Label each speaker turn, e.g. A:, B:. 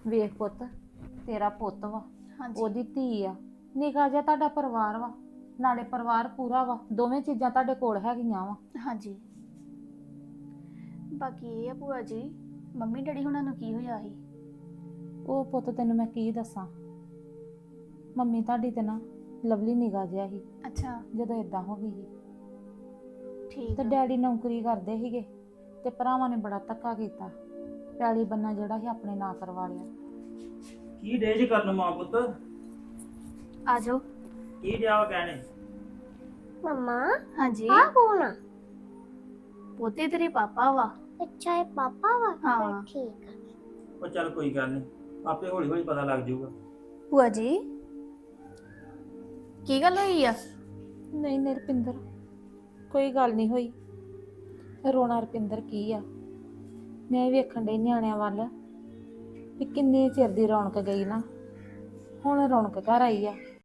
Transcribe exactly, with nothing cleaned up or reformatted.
A: ਵੇਖ ਪੁੱਤ, ਤੇਰਾ ਪੁੱਤ ਵਾ,
B: ਹਾਂਜੀ
A: ਉਹਦੀ ਧੀ ਆ, ਨਿੱਕਾ ਜਿਹਾ ਤੁਹਾਡਾ ਪਰਿਵਾਰ ਵਾ, ਨਾਲੇ ਪਰਿਵਾਰ ਪੂਰਾ ਵਾ, ਦੋਵੇਂ ਚੀਜ਼ਾਂ ਤੁਹਾਡੇ ਕੋਲ ਹੈਗੀਆਂ ਵਾ।
B: ਹਾਂਜੀ। ਬਾਕੀ ਇਹ ਆ ਭੂਆ ਜੀ, ਮੰਮੀ ਡੈਡੀ ਹੁਣਾਂ ਨੂੰ ਕੀ ਹੋਇਆ ਸੀ?
A: ਉਹ ਪੁੱਤ ਤੈਨੂੰ ਮੈਂ ਕੀ ਦੱਸਾਂ, ਮੰਮੀ ਤੁਹਾਡੀ ਤੇ ਨਾ ਲਵਲੀ ਨਿੱਕਾ ਜਿਹਾ ਸੀ
B: ਅੱਛਾ
A: ਜਦੋਂ ਇਦਾਂ ਹੋ ਗਈ ਸੀ।
B: ਠੀਕ
A: ਤੇ
B: ਆ।
A: ਡੈਡੀ ਨੌਕਰੀ ਕਰਦੇ ਸੀਗੇ ਤੇ ਭਰਾਵਾਂ ਨੇ ਬੜਾ ਧੱਕਾ ਕੀਤਾ, ਪੈਲੀ ਬੰਨਾ ਜਿਹੜਾ ਸੀ ਆਪਣੇ ਨਾਂ ਕਰਵਾ ਲਿਆ।
C: ਕੀ ਡੇਜ ਕਰਨ ਮਾਂ ਪੁੱਤ?
B: ਆ ਜਾਓ।
C: ਕੀ ਡਿਆ ਵਾ ਕਹਿਣੇ?
D: मम्मा
B: ਹਾਂਜੀ
D: हाँ कौन आ?
B: ਪੋਤੇ ਤੇਰੇ ਪਾਪਾ ਵਾ।
D: अच्छा है पापा वा
B: हाँ।
D: फिर ठीक है।
C: ਉਹ ਚੱਲ ਕੋਈ ਗੱਲ ਨਹੀਂ, ਆਪੇ ਹੌਲੀ ਹੌਲੀ ਪਤਾ ਲੱਗ ਜਾਊਗਾ।
B: ਭੂਆ ਜੀ ਕੀ ਗੱਲ ਹੋਈ ਆ?
A: ਨਹੀਂ ਨਹੀਂ ਰੁਪਿੰਦਰ, ਕੋਈ ਗੱਲ ਨਹੀਂ ਹੋਈ। ਰੋਣਾ ਰੁਪਿੰਦਰ ਕੀ ਆ, ਮੈਂ ਵੇਖਣ ਡਈ ਨਿਆਣਿਆਂ ਵੱਲ ਵੀ ਕਿੰਨੇ ਚਿਰ ਦੀ ਰੌਣਕ ਗਈ ਨਾ, ਹੁਣ ਰੌਣਕ ਘਰ ਆਈ ਆ।